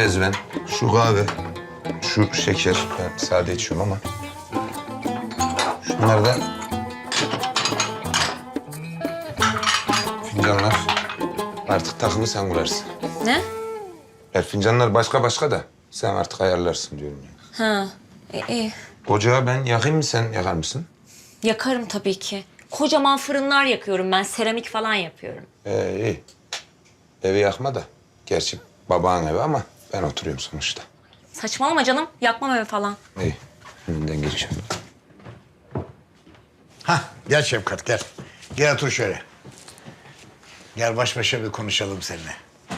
mezven, şu kahve, şu şeker. Ben sade içiyorum ama. Şunlar da fincanlar. Artık takımı sen kurarsın. Ne? Fincanlar başka da sen artık ayarlarsın diyorum ya. Ha, iyi. Ocağı ben yakayım mı, sen yakar mısın? Yakarım tabii ki. Kocaman fırınlar yakıyorum ben. Seramik falan yapıyorum. İyi. Evi yakma da. Gerçi babanın evi ama ben oturuyorum sonuçta. Saçmalama canım. Yakmam evi falan. İyi. Önünden geçeceğim. Hah, gel Şefkat, gel. Gel otur şöyle. Gel baş başa bir konuşalım seninle.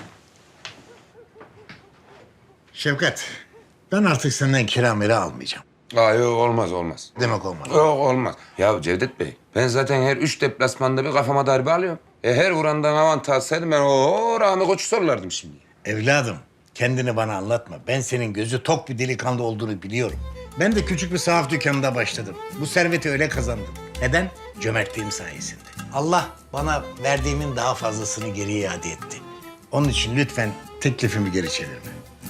Şefkat, ben artık senden kira mira almayacağım. Yok olmaz. Demek olmadı. Yok olmaz. Ya Cevdet Bey, ben zaten her 3 deplasmanda bir kafama darbe alıyorum. Her vurandan avantaj alsaydım ben Rami Koç'u sorulardım şimdi. Evladım, kendini bana anlatma. Ben senin gözü tok bir delikanlı olduğunu biliyorum. Ben de küçük bir sahaf dükkanında başladım. Bu serveti öyle kazandım. Neden? Cömertliğim sayesinde. Allah bana verdiğimin daha fazlasını geri iade etti. Onun için lütfen teklifimi geri çevirme.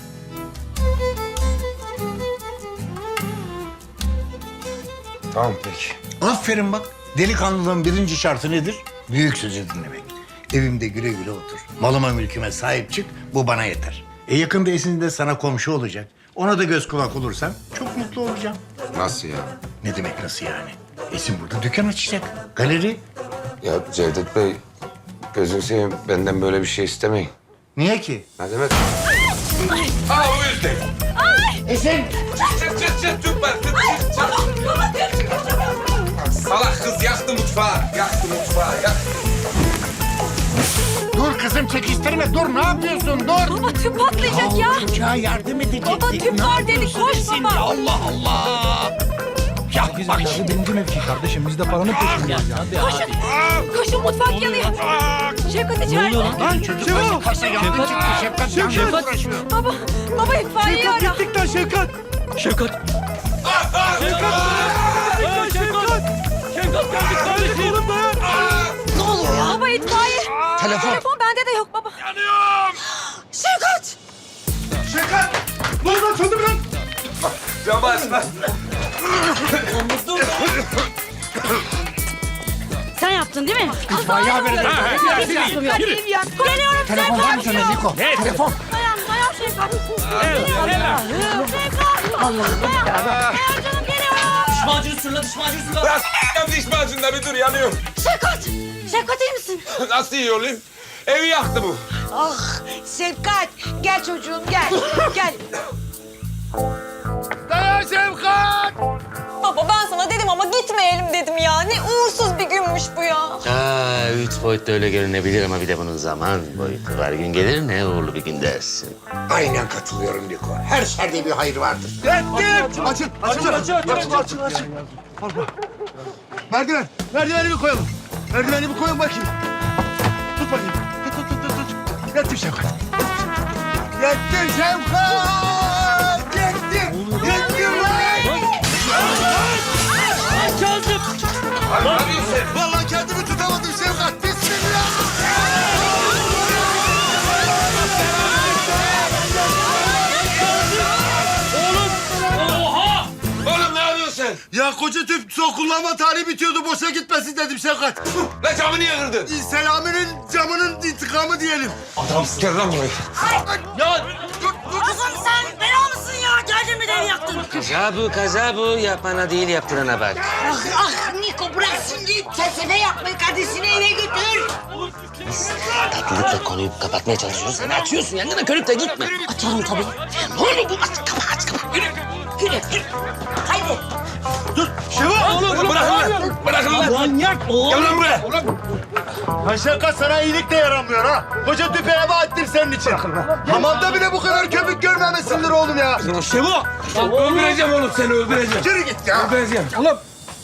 Tamam peki. Aferin bak. Delikanlılığın birinci şartı nedir? Büyük sözü dinlemek. Evimde güle güle otur. Malıma mülküme sahip çık. Bu bana yeter. Yakında Esin de sana komşu olacak. Ona da göz kulak olursan çok mutlu olacağım. Nasıl ya? Ne demek nasıl yani? Esin burada dükkan açacak. Galeri. Ya Cevdet Bey, gözünü seveyim benden böyle bir şey istemeyin. Niye ki? Ne demek? O yüzden. Esin! Çıt tüp var. Salak kız yaktı mutfağı. Dur kızım çekiştirme. Dur ne yapıyorsun? Dur. Baba tüp patlayacak ya. Çocuğa yardım edecektik. Baba tüp Ne var dedi. yapıyorsun Koş Esin? baba. Allah Allah. Ya bak şimdi. Birinci mevki kardeşim. Biz de paranın peşindeyiz ya. Koşun mutfak yanıyor. Şevkat içeride. Lan çocuk başı kasa yandı çıktı. Şefkat yalnız uğraşıyor. Baba itfaiye ara. Gittik lan Şevkat. Şevkat geldik kardeşim. Ne oluyor ya? Baba itfaiye. Telefon bende de yok baba. Yanıyorum. Şevkat. Ne oldu lan? Söndü mü lan? Yavaş. Sen yaptın değil mi? İtfaiye haberi. Geliyorum Telefon var mı Şevkat. sende Niko? Telefon. Dayan Şevkat. Geliyorum. Dayan canım geliyorum. Bırak diş macunla bir dur, yanıyorum. Şevkat iyi misin? Nasıl iyi olayım? Evi yaktı bu. Ah Şefkat gel çocuğum gel. Gel. Dayan Şefkat! Baba ben sana dedim ama gitmeyelim dedim ya. Ne uğursuz bir günmüş bu ya. Üç boyutta öyle görünebilir ama bir de bunun zaman boyutu var. Gün gelir ne uğurlu bir gün dersin. Aynen katılıyorum Niko. Her şerde bir hayır vardır. Açın. Merdiveni bir koyalım. Merdiveni bir koyun bakayım. Tut bakayım. Tut. Yettim Şevkat. Yettim lan! Ne yapıyorsun sen? Vallahi kendimi tutamadım Şevkat. Bismillah! Oğlum ne yapıyorsun sen? Ya koca tüp son kullanma tarihi bitiyordu. Boşa gitmesin dedim Şevkat. Lan camı niye kırdın? Selami'nin camının intikamı diyelim. Adamsın. Gel lan buraya. Kızım sen bela mısın ya? Geldin mi evi yaktın? Kaza bu. Yapana değil yaptırana bak. Ah Niko bırak şimdi felsefe yapmayı kardeşini eve götür. Tatlılıkla konuyu kapatmaya çalışıyoruz. Sen açıyorsun yangına körükle gitme. Açarım tabii. Ne oluyor bu? Aç kapa. Yürü. Haydi. Oğlum bırakın lan. Manyak oğlum. Gel lan buraya. Ha Şevkat sana iyilik de yaramıyor ha. Koca tüpe heba ettim senin için. Hamamda bile bu kadar köpük görmemesindir oğlum ya. Şevo. Öldüreceğim oğlum seni, öldüreceğim. Yürü git ya. Öldüreceğim. Oğlum.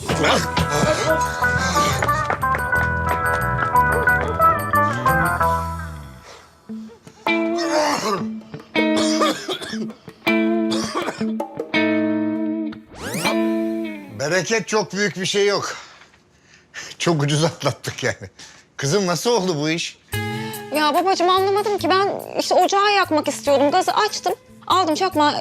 Bereket çok büyük bir şey yok. Çok ucuz atlattık yani. Kızım nasıl oldu bu iş? Ya babacığım anlamadım ki ben işte ocağı yakmak istiyordum. Gazı açtım. Aldım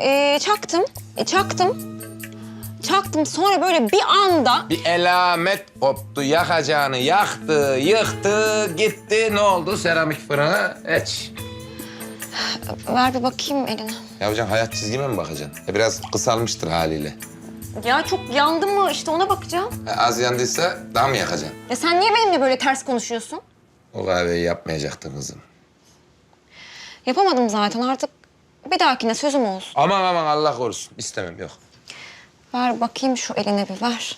çaktım. Sonra böyle bir anda Bir elamet koptu. Yakacağını yaktı, yıktı, gitti. Ne oldu? Seramik fırına eç. ver bir bakayım eline. Ya hocam hayat çizgime mi bakacaksın? Biraz kısalmıştır haliyle. Ya çok yandı mı işte ona bakacağım. Az yandıysa daha mı yakacaksın? Ya sen niye benimle böyle ters konuşuyorsun? O kahveyi yapmayacaktın kızım. Yapamadım zaten artık. Bir dahakine sözüm olsun. Aman Allah korusun. İstemem yok. Ver bakayım şu eline bir ver.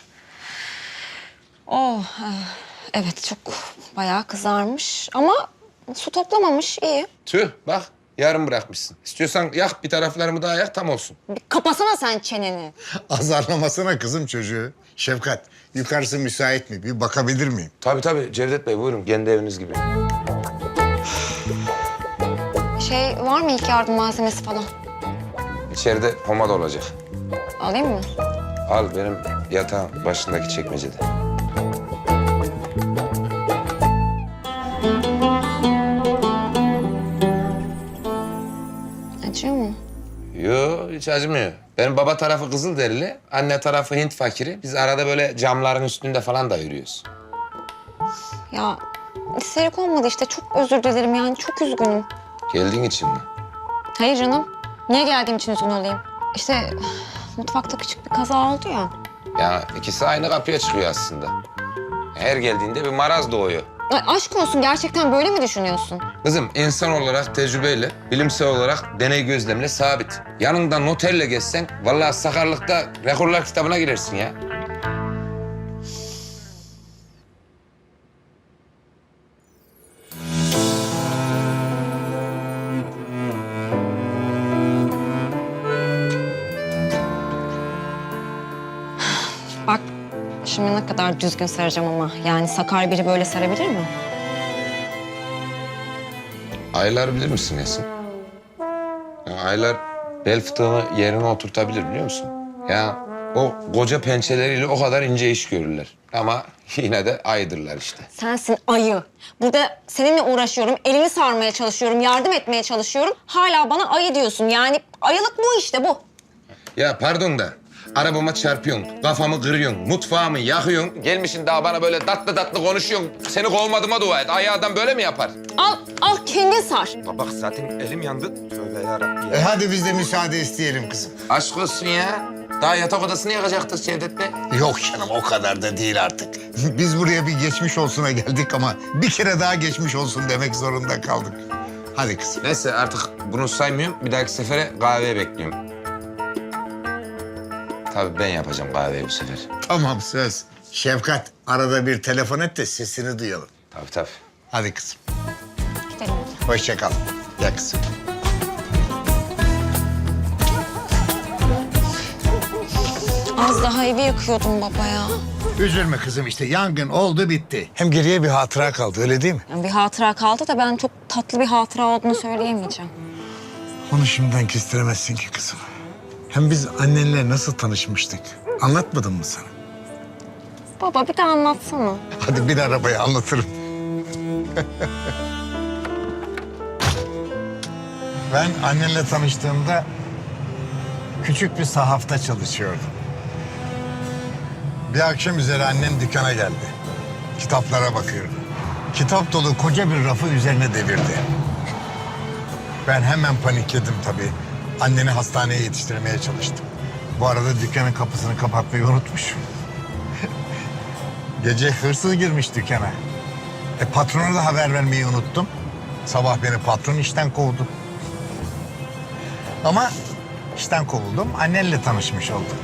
Oh, evet çok bayağı kızarmış ama su toplamamış iyi. Tüh bak yarım bırakmışsın. İstiyorsan yak bir taraflarımı daha yak tam olsun. Bir kapasana sen çeneni. Azarlamasana kızım çocuğu. Şefkat, yukarısı müsait mi? Bir bakabilir miyim? Tabii Cevdet Bey buyurun kendi eviniz gibi. Şey var mı ilk yardım malzemesi falan? İçeride pomada olacak. Alayım mı? Al benim yatağın başındaki çekmecede. Acıyor mu? Yo hiç acımıyor. Benim baba tarafı Kızılderili, anne tarafı Hint fakiri. Biz arada böyle camların üstünde falan da yürüyoruz. Ya isterik olmadı işte çok özür dilerim yani çok üzgünüm. Geldiğin için mi? Hayır canım. Niye geldiğim için üzgün olayım? İşte mutfakta küçük bir kaza oldu ya. Ya ikisi aynı kapıya çıkıyor aslında. Her geldiğinde bir maraz doğuyor. Ay, aşk olsun gerçekten böyle mi düşünüyorsun? Kızım insan olarak tecrübeyle, bilimsel olarak deney gözlemle sabit. Yanında noterle gezsen vallahi sakarlıkta rekorlar kitabına girersin ya. Bak şimdi ne kadar düzgün saracağım ama. Yani sakar biri böyle sarabilir mi? Aylar bilir misin Esin? Ya aylar bel fıtığını yerine oturtabilir biliyor musun? Ya o koca pençeleriyle o kadar ince iş görürler. Ama yine de aydırlar işte. Sensin ayı. Burada seninle uğraşıyorum, elini sarmaya çalışıyorum, yardım etmeye çalışıyorum. Hala bana ayı diyorsun. Yani ayılık bu işte bu. Ya pardon da arabama çarpıyorsun, kafamı kırıyorsun, mutfağımı yakıyorsun. Gelmişsin daha bana böyle tatlı konuşuyorsun. Seni kovmadığıma dua et. Ayı adam böyle mi yapar? Al kendin sar. Bak zaten elim yandı. Tövbe yarabbim ya. Hadi biz de müsaade isteyelim kızım. Aşk olsun ya. Daha yatak odasını yakacaktık Cevdet Bey. Yok canım o kadar da değil artık. Biz buraya bir geçmiş olsuna geldik ama bir kere daha geçmiş olsun demek zorunda kaldık. Hadi kızım. Neyse artık bunu saymıyorum. Bir dahaki sefere kahveye bekliyorum. Tabii ben yapacağım kahveyi bu sefer. Tamam söz. Şefkat arada bir telefon et de sesini duyalım. Tabii. Hadi kızım. Gidelim. Hoşça kal. Gel kızım. Az daha evi yakıyordum baba ya. Üzülme kızım işte yangın oldu bitti. Hem geriye bir hatıra kaldı öyle değil mi? Yani bir hatıra kaldı da ben çok tatlı bir hatıra olduğunu söyleyemeyeceğim. Onu şimdiden kestiremezsin ki kızım. Hem biz annenle nasıl tanışmıştık? Anlatmadım mı sana? Baba bir de anlatsana. Hadi bin arabaya anlatırım. Ben annenle tanıştığımda küçük bir sahafta çalışıyordum. Bir akşam üzeri annem dükkana geldi. Kitaplara bakıyordu. Kitap dolu koca bir rafı üzerine devirdi. Ben hemen panikledim tabii. Anneni hastaneye yetiştirmeye çalıştım. Bu arada dükkanın kapısını kapatmayı unutmuşum. Gece hırsız girmiş dükkana. Patrona da haber vermeyi unuttum. Sabah beni patron işten kovdu. Ama işten kovuldum, annenle tanışmış oldum.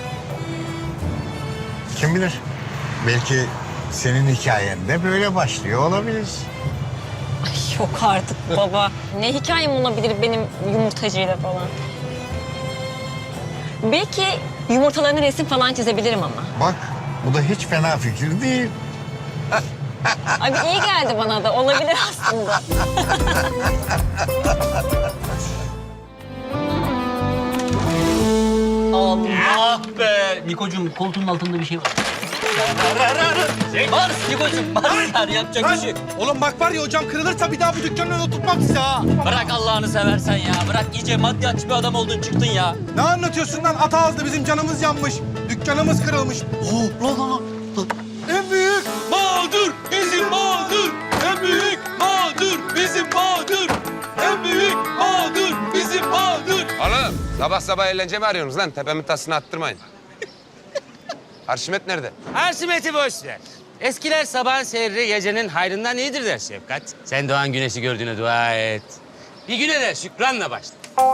Kim bilir, belki senin hikayen de böyle başlıyor olabilir. Yok artık baba. Ne hikayem olabilir benim yumurtacıyla falan. Belki yumurtalarına resim falan çizebilirim ama. Bak, bu da hiç fena fikir değil. Abi iyi geldi bana da. Olabilir aslında. Allah be! Nikocuğum koltuğun altında bir şey var. Mars Nikocuğum, Marslar yapacak bir şey yok. Oğlum bak var ya hocam kırılırsa bir daha bu dükkanın önüne oturtmam size ha. Bırak Allah'ını seversen ya. Bırak iyice maddiyatçı bir adam oldun çıktın ya. Ne anlatıyorsun lan? Ata ağızda bizim canımız yanmış. Dükkanımız kırılmış. Lan. En büyük mağdur bizim mağdur. En büyük mağdur bizim mağdur. En büyük mağdur bizim mağdur. Oğlum sabah sabah eğlence mi arıyorsunuz lan? Tepemin tasını attırmayın. Arşimet nerede? Arşimet'i boş ver. Eskiler sabahın seyri gecenin hayrından iyidir der Şefkat. Sen doğan güneşi gördüğüne dua et. Bir güne de şükranla başla.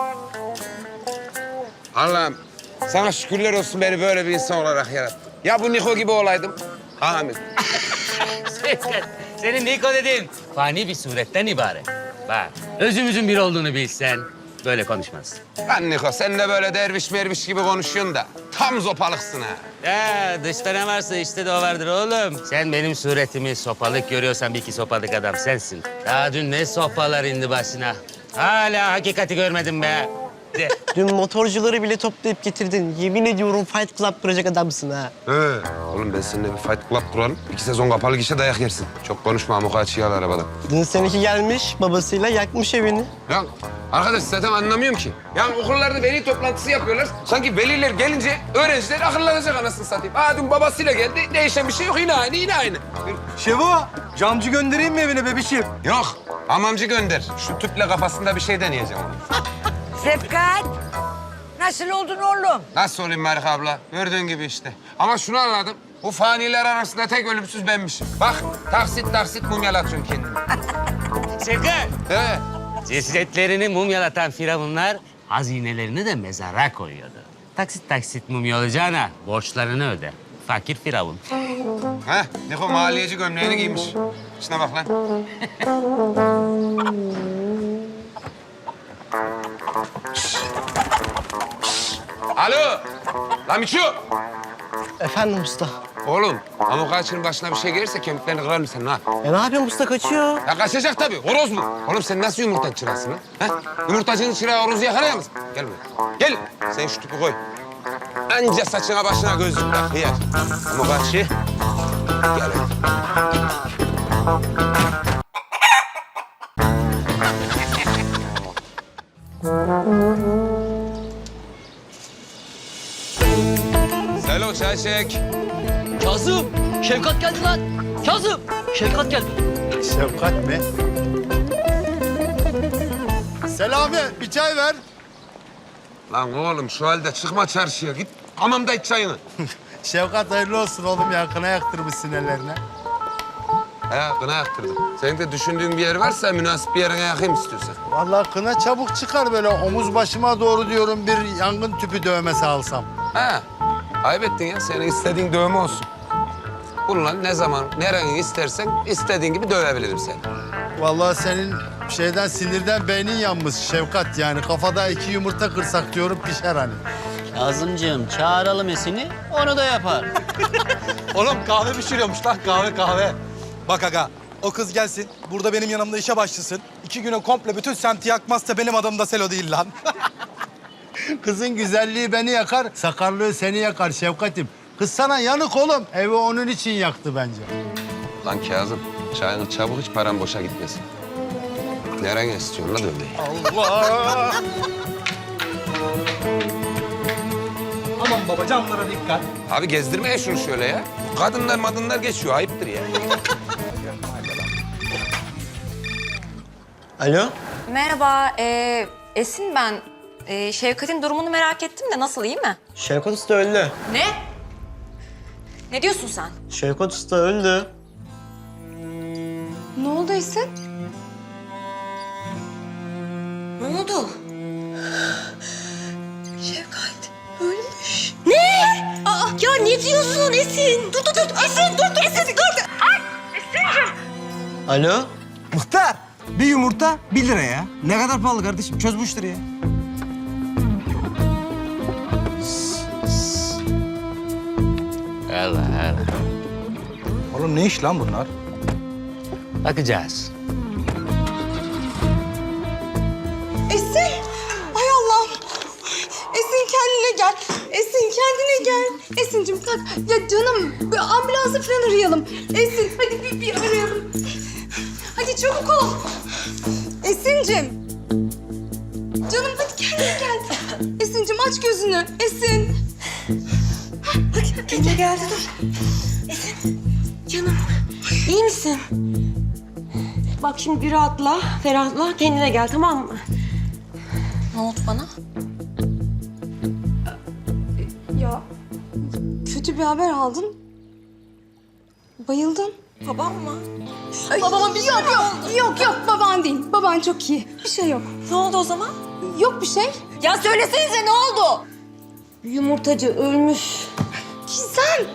Allah'ım sana şükürler olsun beni böyle bir insan olarak yarattın. Ya bu Niko gibi olaydım. Amin. Şefkat, senin Niko dediğin fani bir suretten ibaret. Bak, özümüzün bir olduğunu bilsen böyle konuşmazsın. Lan Niko sen de böyle derviş merviş gibi konuşuyorsun da tam zopalıksın ha. Ya dışta ne varsa işte de o vardır oğlum. Sen benim suretimi sopalık görüyorsan bir iki sopalık adam sensin. Daha dün ne sopalar indi başına. Hala hakikati görmedim be. De. Dün motorcuları bile toplayıp getirdin. Yemin ediyorum Fight Club kuracak adamsın ha. Oğlum ben seninle bir fight club kuralım. 2 sezon kapalı gişe dayak yersin. Çok konuşma amukaçıyı al arabadan. Dün seninki gelmiş babasıyla yakmış evini. Ya arkadaş zaten anlamıyorum ki. Ya okullarda veli toplantısı yapıyorlar. Sanki veliler gelince öğrenciler akıllanacak anasını satayım. Aa dün babasıyla geldi. Değişen bir şey yok. Yine aynı, yine aynı. Şevo, camcı göndereyim mi evine bebişim? Yok. Hamamcı gönder. Şu tüple kafasında bir şey deneyeceğim onu. Şefkat, nasıl oldun oğlum? Nasıl olayım Marika abla? Gördüğün gibi işte. Ama şunu anladım. Bu faniler arasında tek ölümsüz benmişim. Bak taksit taksit mumyalatıyorsun kendini. Şefkat, Evet. cesetlerini mumyalatan firavunlar hazinelerini de mezara koyuyordu. Taksit taksit mumya olacağına borçlarını öde. Fakir firavun. Heh, Niko maliyeci gömleğini giymiş. Şuna bak lan. Alo, lan Miço. Efendim usta. Oğlum, amukaçının başına bir şey gelirse kemiklerini kırarım senin ha. Ya ne yapıyorsun usta kaçıyor? Ya kaçacak tabii, horoz bu. Oğlum sen nasıl yumurta çırasın ha? Yumurtacının çırağı horozu yakalayamaz. Gel buraya. Gel, sen şu tüpü koy. Anca saçına başına gözlük tak, hıyar. Amukaçı, gel hadi. Selo çay çek. Kazım, Şefkat geldi lan. Kazım, Şefkat geldi. Şefkat mi? Selami, bir çay ver. Lan oğlum şu halde çıkma çarşıya git. Hamamda iç çayını. Şefkat hayırlı olsun oğlum ya. Kına yaktırmışsın ellerine. He kına yaktırdım. Senin de düşündüğün bir yer varsa münasip bir yerine yakayım istiyorsan. Vallahi kına çabuk çıkar böyle omuz başıma doğru diyorum bir yangın tüpü dövmesi alsam. Ha, ayıp ettin ya. Senin istediğin dövme olsun. Bununla ne zaman, nereni istersen istediğin gibi dövebilirim seni. Vallahi senin şeyden sinirden beynin yanmış Şefkat yani kafada 2 yumurta kırsak diyorum pişer hani. Kazımcığım çağıralım Esin'i, onu da yapar. Oğlum kahve pişiriyormuş lan kahve. Bak aga o kız gelsin burada benim yanımda işe başlasın. 2 güne komple bütün semti yakmazsa benim adım da Selo değil lan. Kızın güzelliği beni yakar, sakarlığı seni yakar Şefkat'im. Kız sana yanık oğlum. Evi onun için yaktı bence. Lan Kazım, çayını çabuk iç, param boşa gitmesin. Nerene istiyorsun la dövmeyi? Allah! Aman baba camlara dikkat. Abi gezdirmeye şunu şöyle ya. Kadınlar madınlar geçiyor, ayıptır ya. Alo? Merhaba, Esin ben. Şevkat'in durumunu merak ettim de nasıl, iyi mi? Şevkat Usta öldü. Ne? Ne diyorsun sen? Şevkat Usta öldü. Ne oldu Esin? Ne oldu? Şevkat ölmüş. Ne? Aa, ya ne diyorsun Esin? Dur. Esin dur. Esin dur. Ay Esin'cim. Alo? Muhtar bir yumurta 1 lira ya. Ne kadar pahalı kardeşim çöz bu işleri ya. Allah. Oğlum ne iş lan bunlar? Bakacağız. Esin, ay Allah'ım. Esin kendine gel. Esin kendine gel. Esin'cim kalk. Ya canım bir ambulansı falan arayalım. Esin hadi bir arayalım. Hadi çabuk ol. Esin'cim. Canım hadi kendine gel. Esin'cim aç gözünü. Esin. Hadi kendine geldi dur. Esin. Canım iyi misin? Bak şimdi bir rahatla, ferahla, kendine gel tamam mı? Ne oldu bana? Ya kötü bir haber aldın. Bayıldın. Babam mı? Babama bir yok baban değil. Baban çok iyi. Bir şey yok. Ne oldu o zaman? Yok bir şey. Ya söylesenize ne oldu? Yumurtacı ölmüş. Gizem.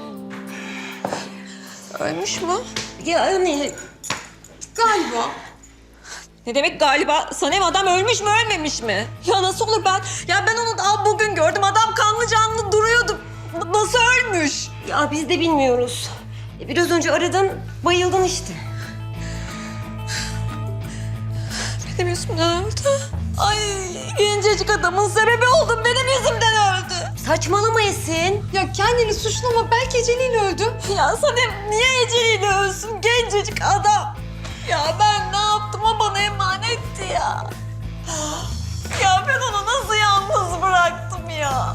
Ölmüş mü? Yani galiba. Ne demek galiba? Sanem adam ölmüş mü ölmemiş mi? Ya nasıl olur ben onu daha bugün gördüm. Adam kanlı canlı duruyordu. Nasıl ölmüş? Ya biz de bilmiyoruz. Biraz önce aradın, bayıldın işte. Benim yüzümden öldü. Ay gencecik adamın sebebi oldum. Benim yüzümden öldü. Saçmalama Esin. Ya kendini suçlama. Belki eceliyle öldü. Ya Sanem niye eceliyle ölsün gencecik adam? Ya ben ne yaptım o bana emanetti ya. Ya ben onu nasıl yalnız bıraktım ya?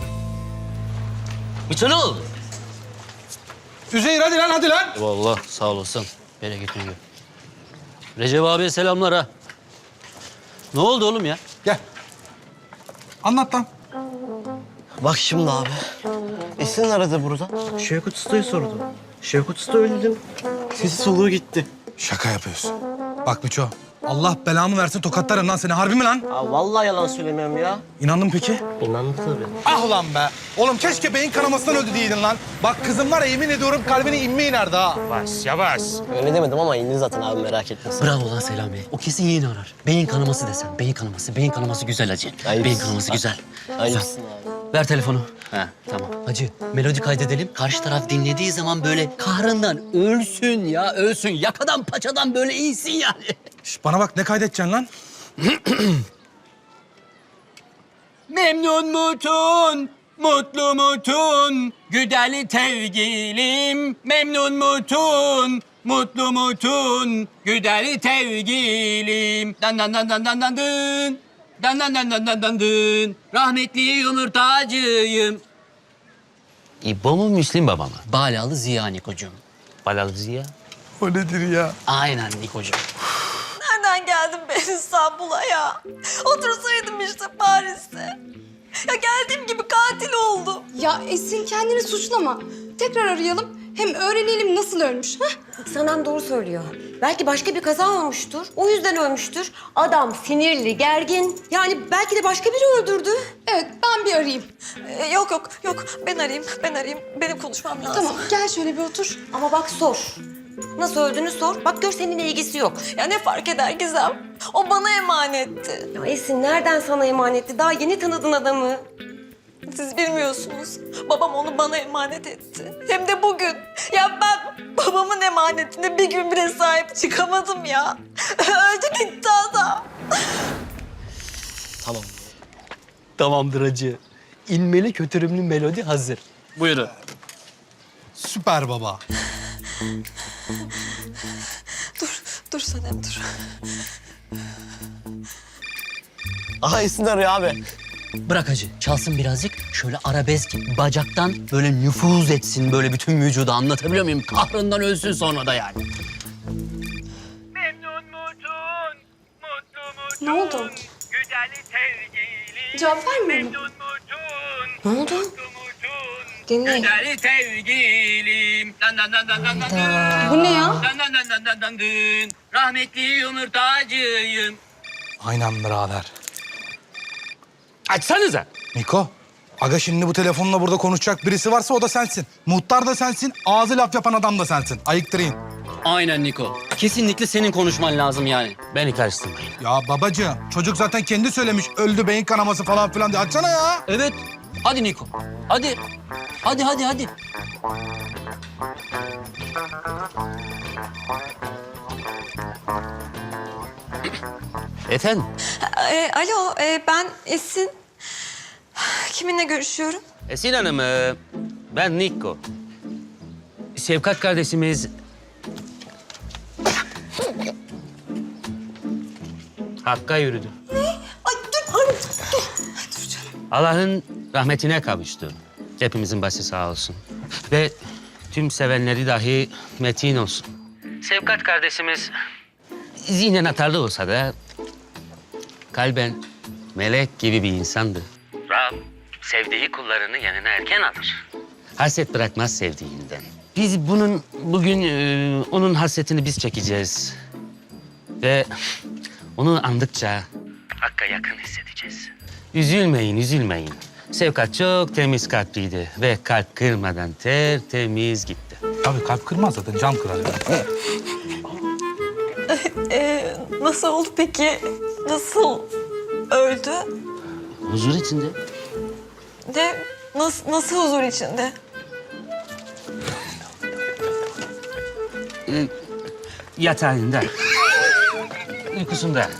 Miço ne oldu? Üzeyir hadi lan. Vallahi sağ olasın. Bereketini gör. Recep abiye selamlar ha. Ne oldu oğlum ya? Gel. Anlat lan. Bak şimdi abi. Esin aradı burada. Şevkut Usta'yı sordu. Şevkut Usta öldü dedim. Sesi soluğu gitti. Şaka yapıyorsun. Bak Miço, Allah belamı versin tokatlarım lan seni. Harbi mi lan? Ya vallahi yalan söylemiyorum ya. İnandın peki? İnandı tabii. Ah ulan be. Oğlum keşke beyin kanamasından öldü diyeydin lan. Bak kızım var ya yemin ediyorum kalbine inme inerdi ha. Yavaş yavaş. Öyle demedim ama indi zaten abi merak etme sen. Bravo lan Selami. O kesin yeğeni arar. Beyin kanaması desen. Beyin kanaması. Beyin kanaması güzel hacı. Ayıpsın. Beyin kanaması güzel. Ayıpsın abi. Ver telefonu. He tamam. Hacı melodi kaydedelim. Karşı taraf dinlediği zaman böyle kahrından ölsün ya ölsün. Yakadan paçadan böyle iyisin yani. Şş, bana bak ne kaydedeceksin lan? Memnun mutun, mutlu mutun, güdeli tevgilim. Memnun mutun, mutlu mutun, güdeli tevgilim. Dan dan dan dan dan dan dın. Dan dan dan dan dan dan dın. Rahmetli yumurtacıyım. İbo mu Müslim baba mı? Balalı Ziya Nikocuğum. Balalı Ziya? O nedir ya? Aynen Nikocuğum. Nereden geldim ben İstanbul'a ya? Otursaydım işte Paris'te. Ya geldiğim gibi katil oldu. Ya Esin kendini suçlama. Tekrar arayalım. Hem öğrenelim nasıl ölmüş. Sanem doğru söylüyor. Belki başka bir kaza olmuştur. O yüzden ölmüştür. Adam sinirli, gergin. Yani belki de başka biri öldürdü. Evet ben bir arayayım. Yok. Ben arayayım. Benim konuşmam lazım. Tamam gel şöyle bir otur. Ama bak sor. Nasıl öldüğünü sor. Bak gör seninle ilgisi yok. Ya ne fark eder Gizem? O bana emanetti. Ya Esin nereden sana emanetti? Daha yeni tanıdın adamı. Siz bilmiyorsunuz. Babam onu bana emanet etti. Hem de bugün. Ya ben babamın emanetine bir gün bile sahip çıkamadım ya. Öldü gitti adam. Tamam. Tamamdır hacı. İlmeli kötürümlü melodi hazır. Buyurun. Süper baba. Dur Sanem dur. Aha Esin arıyor abi. Bırak hacı. Çalsın birazcık. Şöyle arabesk bacaktan böyle nüfuz etsin böyle bütün vücuda. Anlatabiliyor muyum? Kahrından ölsün sonra da yani. Memnun mutun, mutlu mutun. Ne oldu? Güdeli sevgilim. Cevap vermiyor mu? Memnun mutun, Ne oldu? mutlu mutun. Dinle. Güdeli sevgilim. Dan dan dan dan dan dan. Bu ne ya? Dan dan dan dan dan dan dın. Rahmetli yumurtacıyım. Aynen birader. Açsanıza. Niko, aga şimdi bu telefonla burada konuşacak birisi varsa o da sensin. Muhtar da sensin, ağzı laf yapan adam da sensin. Ayıktırayım. Aynen Niko. Kesinlikle senin konuşman lazım yani. Beni karıştırmayın. Ya babacığım, çocuk zaten kendi söylemiş. Öldü beyin kanaması falan filan diye. Açsana ya. Evet. Hadi Niko. Hadi. Hadi. Efendim? Alo ben Esin. Kiminle görüşüyorum? Esin Hanım, ben Niko. Şefkat kardeşimiz... Hakk'a yürüdü. Ay dur anne dur. Ay, dur canım. Allah'ın rahmetine kavuştu. Hepimizin başı sağ olsun. Ve tüm sevenleri dahi metin olsun. Şefkat kardeşimiz zihnen atarlı olsa da kalben melek gibi bir insandı. Rab sevdiği kullarını yanına erken alır. Hasret bırakmaz sevdiğinden. Biz bugün onun hasretini biz çekeceğiz. Ve onu andıkça Hakk'a yakın hissedeceğiz. Üzülmeyin, üzülmeyin. Şefkat çok temiz kalpliydi ve kalp kırmadan tertemiz gitti. Tabii kalp kırmaz zaten, cam kırar. Nasıl oldu peki? Nasıl öldü? Huzur içinde. Nasıl huzur içinde? Yatağında. Uykusunda.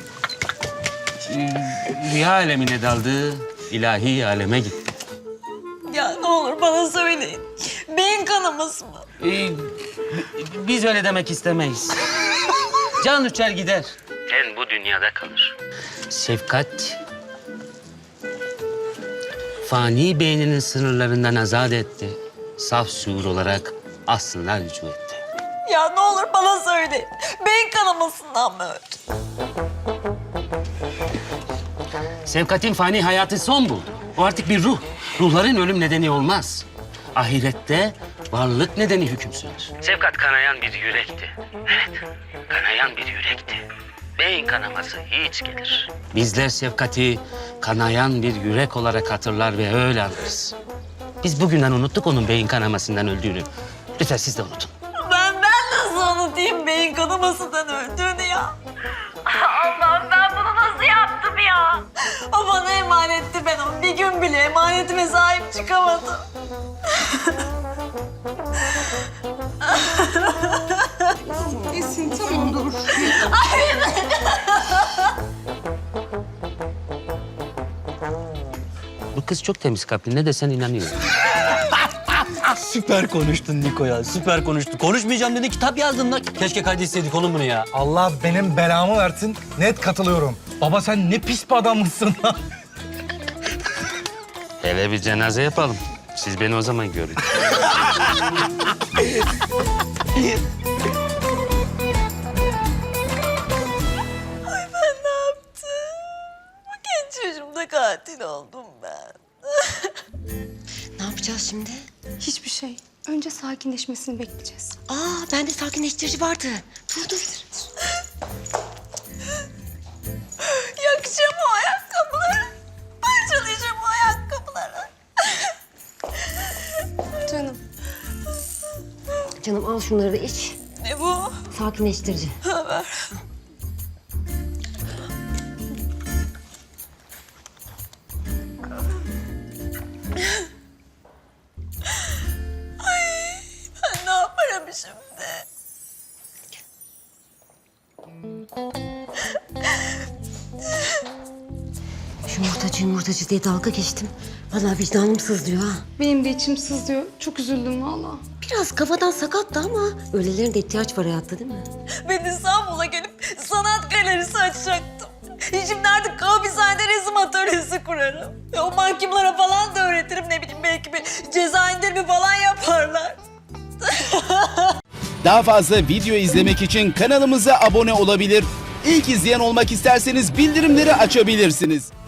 Rüya alemine daldı, ilahi aleme gitti. Ya ne olur bana söyleyin. Beyin kanaması mı? Biz öyle demek istemeyiz. Can uçar gider. Ten bu dünyada kalır. Şefkat fani beyninin sınırlarından azat etti. Saf şuur olarak aslına rücu etti. Ya ne olur bana söyleyin. Beyin kanamasından mı öldü? Şefkat'in fani hayatı son buldu. O artık bir ruh. Ruhların ölüm nedeni olmaz. Ahirette varlık nedeni hüküm sürer. Şefkat kanayan bir yürekti. Evet, kanayan bir yürekti. Beyin kanaması hiç gelir. Bizler Şefkat'i kanayan bir yürek olarak hatırlar ve öyle anlarız. Biz bugünden unuttuk onun beyin kanamasından öldüğünü. Lütfen siz de unutun. Ben nasıl unutayım beyin kanamasından öldüğünü ya? Allah'ım ben bunu nasıl yaptım ya? O bana emanetti, ben onu bir gün bile emanetime sahip çıkamadım. Esin tamam dur. Bu kız çok temiz kalpli. Ne desen inanıyor. Süper konuştun Niko ya, süper konuştun. Konuşmayacağım dedi, kitap yazdın lan. Keşke kaydetseydik oğlum bunu ya. Allah benim belamı versin. Net katılıyorum. Baba sen ne pis bir adammışsın lan. Hele bir cenaze yapalım. Siz beni o zaman görün. Ay ben ne yaptım? Bu genç yaşımda katil oldum ben. Ne yapacağız şimdi? Hiçbir şey. Önce sakinleşmesini bekleyeceğiz. Bende sakinleştirici vardı. Dur. Yakacağım o ayakkabıları. Parçalayacağım o ayakkabıları. Canım. Canım al şunları da iç. Ne bu? Sakinleştirici. Ver. Ay ben ne yaparım şimdi? Yumurtacı diye dalga geçtim. Vallahi vicdanım sızlıyor ha. Benim de içim sızlıyor. Çok üzüldüm vallahi. Biraz kafadan sakattı ama öylelerin de ihtiyaç var hayatta değil mi? Ben İstanbul'a gelip sanat galerisi açacaktım. Şimdi artık hapishanede resim atölyesi kurarım. O mahkumlara falan da öğretirim, ne bileyim belki bir ceza indirimi falan yaparlar. Daha fazla video izlemek için kanalımıza abone olabilir. İlk izleyen olmak isterseniz bildirimleri açabilirsiniz.